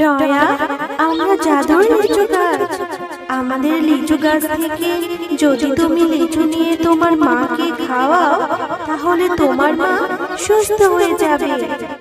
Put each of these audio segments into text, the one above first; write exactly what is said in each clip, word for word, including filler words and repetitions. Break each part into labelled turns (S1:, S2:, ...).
S1: টয়া, আমরা জাদুর লিচু গাছ। আমাদের লিচু গাছ থেকে যদি তুমি লিচু নিয়ে তোমার মাকে খাওয়াও, তাহলে তোমার মা সুস্থ হয়ে যাবে।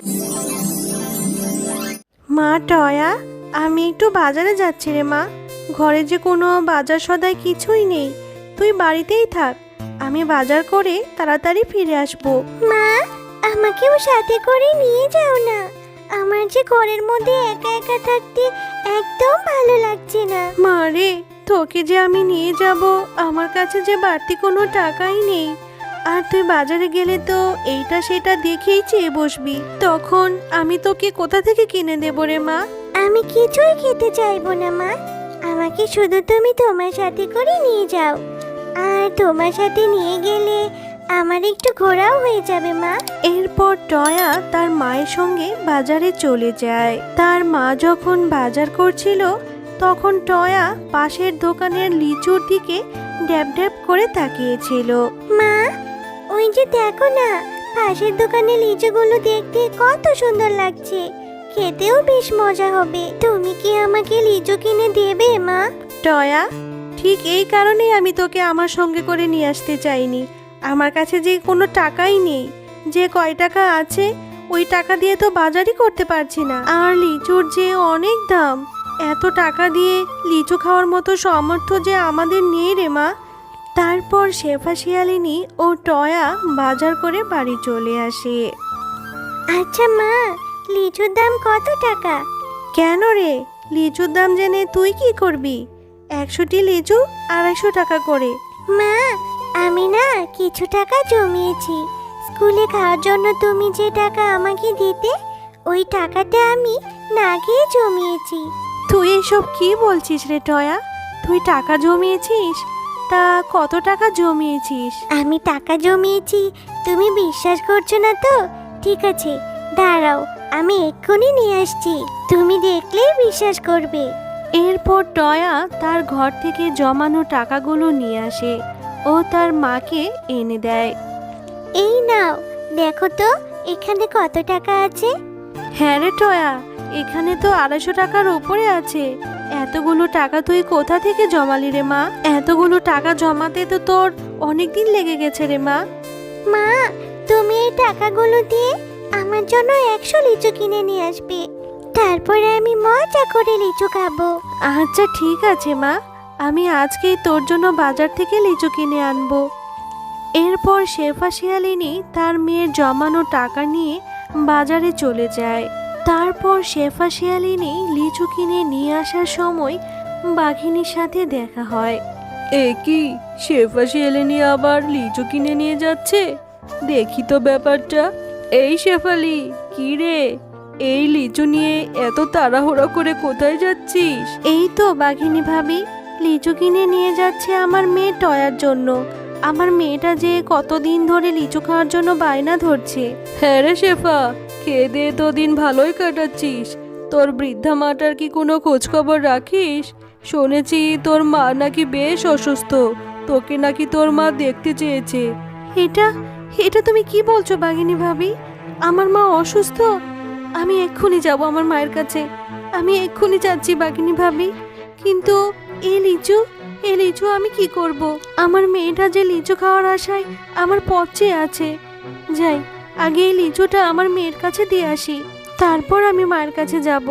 S1: মা টয়া, আমি একটু বাজারে যাচ্ছি রে মা। ঘরে যে কোনো বাজার সদাই কিছুই নেই, তুই বাড়িতেই থাক। আমি বাজার করে তাড়াতাড়ি ফিরে আসবো।
S2: মা, আমাকেও সাথে করে নিয়ে যাও না। আমার যে ঘরের মধ্যে একা একা থাকতে একদম ভালো লাগছে না।
S1: মা রে, তোকে যে আমি নিয়ে যাব, আমার কাছে যে বাড়তি কোনো টাকাই নেই। আর তুই বাজারে গেলে তো এইটা সেটা দেখেই চেয়ে বসবি, তখন আমি তোকে কোথা থেকে কিনে দেবো রে মা?
S2: আমি কিছুই খেতে চাইবো না মা। আমাকে শুধু তুমি তোমার সাথে করে নিয়ে যাও। আর তোমার সাথে নিয়ে গেলে আমার একটু ঘোরাও হয়ে যাবে মা।
S1: এরপর টয়া তার মায়ের সঙ্গে বাজারে চলে যায়। তার মা যখন বাজার করছিল, তখন টয়া পাশের দোকানের লিচুর দিকে ড্যাব ড্যাব করে তাকিয়েছিল।
S2: মা, ওই যে দেখো না, পাশের দোকানে লিচুগুলো দেখতে কত সুন্দর লাগছে। খেতেও বেশ মজা হবে। তুমি কি আমাকে লিচু কিনে দেবে মা?
S1: টয়া, ঠিক এই কারণেই আমি তোকে আমার সঙ্গে করে নিয়ে আসতে চাইনি। আমার কাছে যে কোনো টাকাই নেই। যে কয় টাকা আছে, ওই টাকা দিয়ে তো বাজারই করতে পারছি না। আর লিচুর যে অনেক দাম, এত টাকা দিয়ে লিচু খাওয়ার মতো সামর্থ্য যে আমাদের নেই রে মা। তারপর শেফা শিয়ালিনী ও টয়া বাজার করে বাড়ি চলে আসে।
S2: আচ্ছা মা, লিচুর দাম কত টাকা?
S1: কেন রে, লিচুর দাম জেনে তুই কি করবি? একশোটি লিচু আড়াইশো টাকা করে।
S2: মা, আমি না কিছু টাকা জমিয়েছি। স্কুলে খাওয়ার জন্য তুমি যে টাকা আমাকে দিতে, ওই টাকাটা আমি না খেয়ে জমিয়েছি।
S1: তুই এসব কি বলছিস রে টয়া? তুই টাকা জমিয়েছিস? তা কত টাকা জমিয়েছিস?
S2: আমি টাকা জমিয়েছি, তুমি বিশ্বাস করছো না তো? ঠিক আছে, দাঁড়াও, আমি এক্ষুনি নিয়ে আসছি। তুমি দেখলেই বিশ্বাস করবে।
S1: এরপর টয়া তার ঘর থেকে জমানো টাকাগুলো নিয়ে আসে ও তার মাকে এনে দেয়।
S2: এই নাও, দেখো তো এখানে কত টাকা আছে।
S1: হ্যাঁ রে টয়া, এখানে তো আড়াইশো টাকার উপরে আছে। এতগুলো টাকা তুই কোথা থেকে জমালি রে মা? এতগুলো টাকা জমাতে তো তোর অনেক দিন লেগে গেছে রে মা।
S2: মা, তুমি এই টাকাগুলো দিয়ে আমার জন্য একশো লিচু কিনে নিয়ে আসবে। তারপরে আমি মজা করে লিচু খাবো।
S1: আচ্ছা ঠিক আছে মা, আমি আজকেই তোর জন্য বাজার থেকে লিচু কিনে আনবো। এরপর শেফা শিয়ালিনী তার মেয়ের জমানো টাকা নিয়ে বাজারে চলে যায়। তারপর শেফা শিয়ালিনী লিচু কিনে নিয়ে আসার সময় বাঘিনীর সাথে দেখা হয়।
S3: এ কি, শেফা শিয়ালিনী আবার লিচু কিনে নিয়ে যাচ্ছে? দেখি তো ব্যাপারটা। এই শেফালি, কি রে, এই লিচু নিয়ে এত তাড়াহুড়ো করে কোথায় যাচ্ছিস?
S1: এই তো বাঘিনী ভাবি, লিচু কিনে নিয়ে যাচ্ছে আমার মেয়ে টয়ার জন্য। আমার মেয়েটা যে কতদিন ধরে লিচু খাওয়ার জন্য বায়না ধরছে।
S3: হ্যাঁ রে শেফা, খেয়ে দিয়ে তো দিন ভালোই কাটাচ্ছিস। তোর বৃদ্ধা মাটার কি কোনো খোঁজ খবর রাখিস? শুনেছি তোর মা নাকি বেশ অসুস্থ, তোকে নাকি তোর মা দেখতে চেয়েছে।
S1: এটা এটা তুমি কি বলছো বাঘিনী ভাবি? আমার মা অসুস্থ? আমি এক্ষুনি যাব আমার মায়ের কাছে। আমি এক্ষুনি যাচ্ছি বাঘিনী ভাবি। কিন্তু এই লিচু এই লিচু আমি কি করব? আমার মেয়েটা যে লিচু খাওয়ার আশায় আমার পচে আছে। যাই, আগে এই লিচুটা আমার মেয়ের কাছে দিয়ে আসি, তারপর আমি মায়ের কাছে যাব।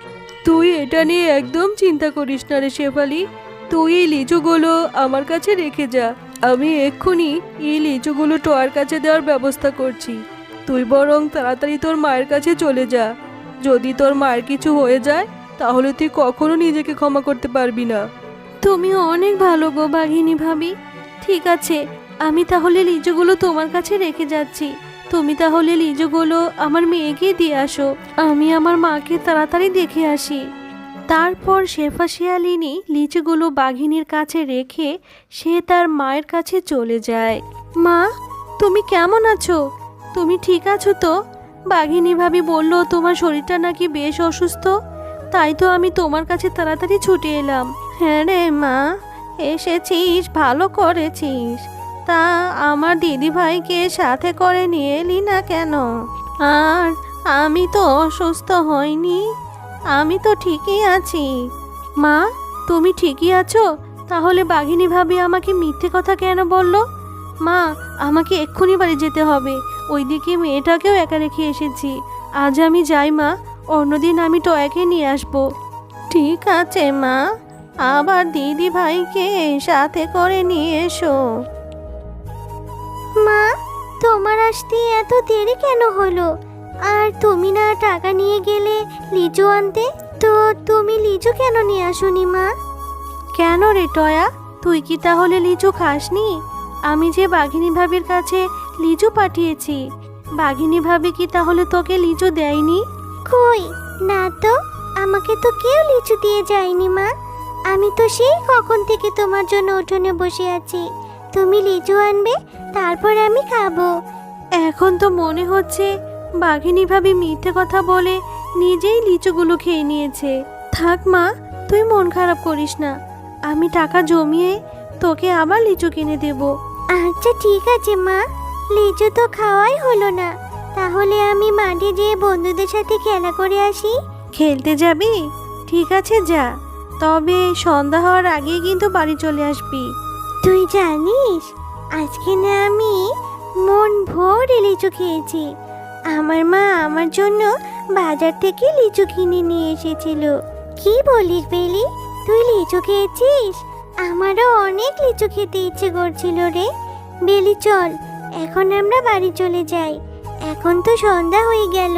S3: তুই এটা নিয়ে একদম চিন্তা করিস না রে শেফালি। তুই এই লিচুগুলো আমার কাছে রেখে যা। আমি এক্ষুনি এই লিচুগুলো টয়ার কাছে দেওয়ার ব্যবস্থা করছি। তুই বরং তাড়াতাড়ি তোর মায়ের কাছে চলে যা। যদি তোর মায়ের কিছু হয়ে যায়, তাহলে তুই কখনো নিজেকে ক্ষমা করতে পারবি না।
S1: তুমি অনেক ভালো গো বাঘিনী ভাবি। ঠিক আছে, আমি তাহলে লিচুগুলো তোমার কাছে রেখে যাচ্ছি। তুমি তাহলে লিচুগুলো আমার মেয়েকে দিয়ে আসো, আমি আমার মাকে তাড়াতাড়ি দেখে আসি। তারপর শেফা শিয়ালিনী লিচুগুলো বাঘিনীর কাছে রেখে সে তার মায়ের কাছে চলে যায়। মা, তুমি কেমন আছো? তুমি ঠিক আছো তো? বাঘিনী ভাবি বলল তোমার শরীরটা নাকি বেশ অসুস্থ, তাই তো আমি তোমার কাছে তাড়াতাড়ি ছুটে এলাম। হ্যাঁ রে মা, এসেছিস, ভালো করেছিস। তা আমার দিদি ভাইকে সাথে করে নিয়ে এলি না কেন? আর আমি তো অসুস্থ হইনি, আমি তো ঠিকই আছি। মা, তুমি ঠিকই আছো? তাহলে বাঘিনী ভাবি আমাকে মিথ্যে কথা কেন বললো? মা, আমাকে এক্ষুনি বাড়ি যেতে হবে। ওইদিকে মেয়েটাকেও একা রেখে এসেছি। আজ আমি যাই মা, অন্যদিন আমি টয়াকে নিয়ে আসবো। ঠিক আছে মা, আবার দিদি ভাইকে সাথে করে নিয়ে এসো।
S2: মা, তোমার আসতে এত দেরি কেন হলো? আর তুমি না টাকা নিয়ে গেলে লিচু আনতে? তো তুমি লিচু কেন নিয়ে আসোনি মা?
S1: কেন রে টয়া, তুই কি তাহলে লিচু খাসনি? আমি যে বাঘিনী ভাবির কাছে লিচু পাঠিয়েছি, বাঘিনী ভাবি কি তাহলে তোকে লিচু দেয়নি?
S2: কই না তো, আমাকে তো কেউ লিচু দিয়ে যায়নি মা। আমি তো সেই কখন থেকে তোমার জন্য উঠোনে বসে আছি। তুমি লিচু আনবে, তারপর আমি খাবো।
S1: এখন তো মনে হচ্ছে বাঘিনী ভাবি মিথ্যে কথা বলে নিজেই লিচুগুলো খেয়ে নিয়েছে। থাক মা, তুই মন খারাপ করিস না। আমি টাকা জমিয়ে তোকে আবার লিচু কিনে দেব।
S2: আচ্ছা ঠিক আছে মা, লিচু তো খাওয়াই হলো না। তাহলে আমি মাঠে যেয়ে বন্ধুদের সাথে খেলা করে আসি।
S1: খেলতে যাবি? ঠিক আছে যা, তবে সন্ধ্যা হওয়ার আগেই কিন্তু বাড়ি চলে আসবি।
S2: তুই জানিস, আজকে না আমি মন ভরে লিচু খেয়েছি। আমার মা আমার জন্য বাজার থেকে লিচু কিনে নিয়ে এসেছিল। কি বলিস বেলি, তুই লিচু খেয়েছিস? আমারও অনেক লিচু খেতে ইচ্ছে করছিল রে। বেলি চল, এখন আমরা বাড়ি চলে যাই। এখন তো সন্ধ্যা হয়ে গেল।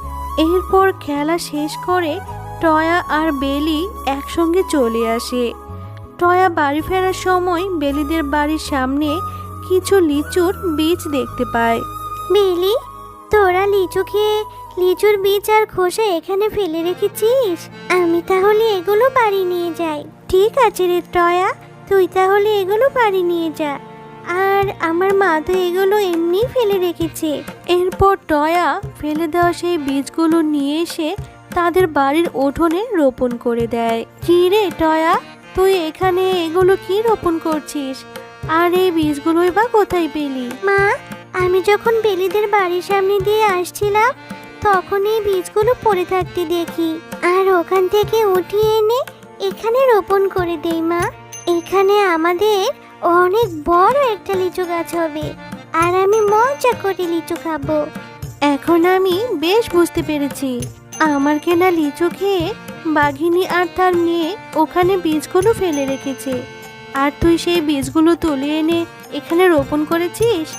S1: এরপর খেলা শেষ করে টয়া আর বেলি একসঙ্গে চলে আসে। টয়া বাড়ি ফেরার সময় বেলিদের বাড়ির সামনে কিছু লিচুর বীজ দেখতে পায়।
S2: বেলি, তোরা লিচু খেয়ে লিচুর বীজ আর খোসা এখানে ফেলে রেখেছিস? আমি তাহলে এগুলো বাড়ি নিয়ে যাই। ঠিক আছে রে টয়া, তুই তাহলে এগুলো বাড়ি নিয়ে যা। আর আমার মা তো এগুলো এমনি ফেলে রেখেছে।
S1: এরপর টয়া ফেলে দেওয়া সেই বীজগুলো নিয়ে এসে তাদের বাড়ির উঠোনে রোপণ করে দেয়। কি রে টয়া, তুই এখানে এগুলো কি রোপণ করছিস? আর এই বীজগুলোই বা কোথায় পেলি?
S2: মা, আমি যখন বেলিদের বাড়ির সামনে দিয়ে আসছিলাম, তখন এই বীজগুলো পড়ে থাকতে দেখি, আর ওখান থেকে উঠিয়ে এনে এখানে রোপণ করে দেই মা। এখানে আমাদের অনেক বড় একটা লিচু গাছ হবে, আর আমি মজা করে লিচু খাবো।
S1: এখন আমি বেশ বুঝতে পেরেছি, আমার কেনা লিচু খেয়ে বাঘিনী আর তার মেয়ে ওখানে বীজগুলো ফেলে রেখেছে, আর তুই সেই বীজগুলো তুলে এনে এখানে রোপণ করেছিস।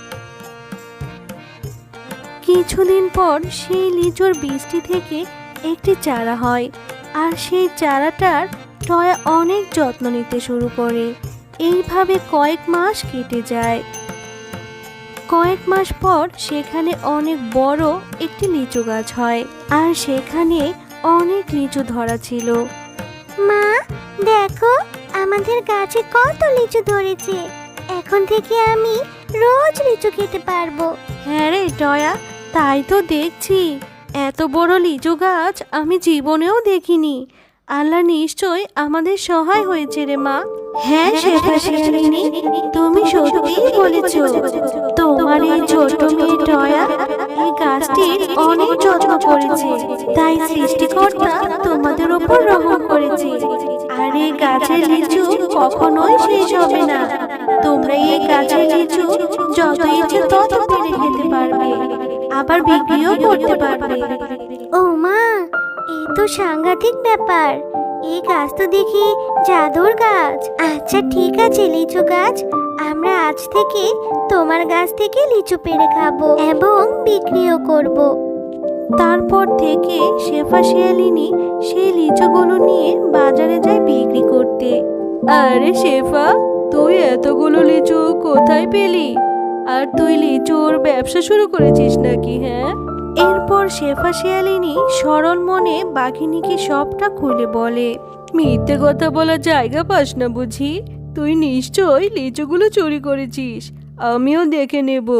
S1: কিছুদিন পর সেই লিচুর বীজটি থেকে একটি চারা হয়, আর সেই চারাটার টয়া অনেক যত্ন নিতে শুরু করে। এইভাবে কয়েক মাস কেটে যায়। কয়েক মাস পর সেখানে অনেক বড় একটি লিচু গাছ হয়, আর সেখানে অনেক লিচু ধরা ছিল।
S2: মা দেখো, আমাদের গাছে কত লিচু ধরেছে। এখন থেকে আমি রোজ লিচু খেতে পারবো।
S1: হ্যাঁ রে টয়া, তাই তো দেখছি। এত বড় লিচু গাছ আমি জীবনেও দেখিনি। আল্লাহ নিশ্চয় আমাদের সহায় হয়েছে রে মা। হ্যাঁ শেফা শিয়ালিনী, তুমি সত্যিই বলেছো। তোমার এই ছোট মেয়ে টয়া এই গাছটির অনেক যত্ন করেছে, তাই সৃষ্টিকর্তা তোমাদের উপর রহম করেছে। আর এই গাছের লিচু কখনোই শেষ হবে না। তোমরা এই গাছের লিচু যত ইচ্ছে তত পেরে খেতে পারবে, আবার বিক্রিও করতে পারবে।
S2: ও মা, এই তো সাংঘাতিক ব্যাপার। এই গাছ তো দেখি জাদুর গাছ। আচ্ছা ঠিক আছে লিচু গাছ, আমরা আজ থেকে তোমার গাছ থেকে লিচু পেড়ে খাবো এবং বিক্রিও করব।
S1: তারপর থেকে শেফা শিয়ালিনী সেই লিচুগুলো নিয়ে বাজারে যায় বিক্রি করতে। আরে শেফা, তুই এতগুলো লিচু কোথায় পেলি? আর তুই লিচুর ব্যবসা শুরু করেছিস নাকি? হ্যাঁ। এরপর শেফা শিয়ালিনী সরল মনে বাঘিনীকে সবটা খুলে বলে। মিথ্যে কথা বলার জায়গা পাস না বুঝি? তুই নিশ্চয়ই লিচুগুলো চুরি করেছিস, আমিও দেখে নেব।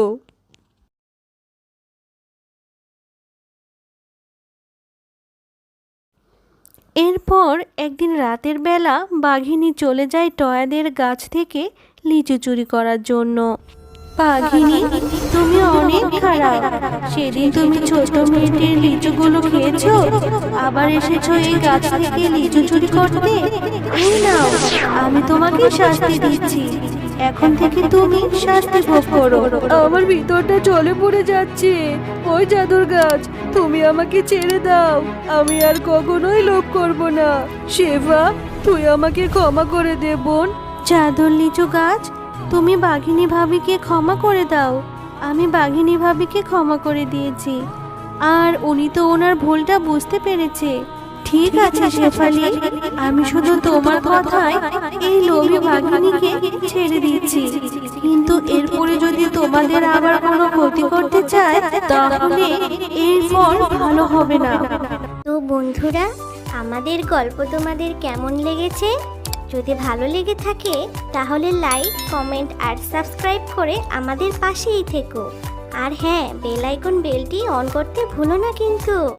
S1: এরপর একদিন রাতের বেলা বাঘিনী চলে যায় টয়াদের গাছ থেকে লিচু চুরি করার জন্য। বাঘিনী, তুমি অনেক খারাপ। সেদিন তুমি ছোট মেয়েটির লিচুগুলো খেয়েছো, আবার এসেছো এই গাছ থেকে লিচু চুরি করতে। এই নাও, আমি তোমাকে শাস্তি দিচ্ছি। এখন থেকে তুমি শাস্তি ভোগ করো।
S3: আমার ভিতরটা জলে পড়ে যাচ্ছে। ওই জাদুর গাছ, তুমি আমাকে ছেড়ে দাও। আমি আর কখনোই লোভ করব না। শেফা, তুই আমাকে ক্ষমা করে দে বোন।
S1: জাদুর লিচু গাছ, তুমি বাঘিনী ভাবিকে ক্ষমা করে দাও। আমি বাঘিনী ভাবিকে ক্ষমা করে দিয়েছি, আর উনি তো ওনার ভুলটা বুঝতে পেরেছে। ঠিক আছে শেফালি, আমি শুধু তোমার কথায় এই লোভী বাঘিনীকে ছেড়ে দিচ্ছি, কিন্তু এরপরে যদি তোমাদের আবার কোনো ক্ষতি করতে চায় তাহলে এর ফল ভালো হবে না।
S2: তো বন্ধুরা, আমাদের গল্প তোমাদের কেমন লেগেছে? যদি ভালো লেগে থাকে তাহলে লাইক, কমেন্ট আর সাবস্ক্রাইব করে আমাদের পাশেই থেকো। আর হ্যাঁ, বেল আইকন বেলটি অন করতে ভুলো না কিন্তু।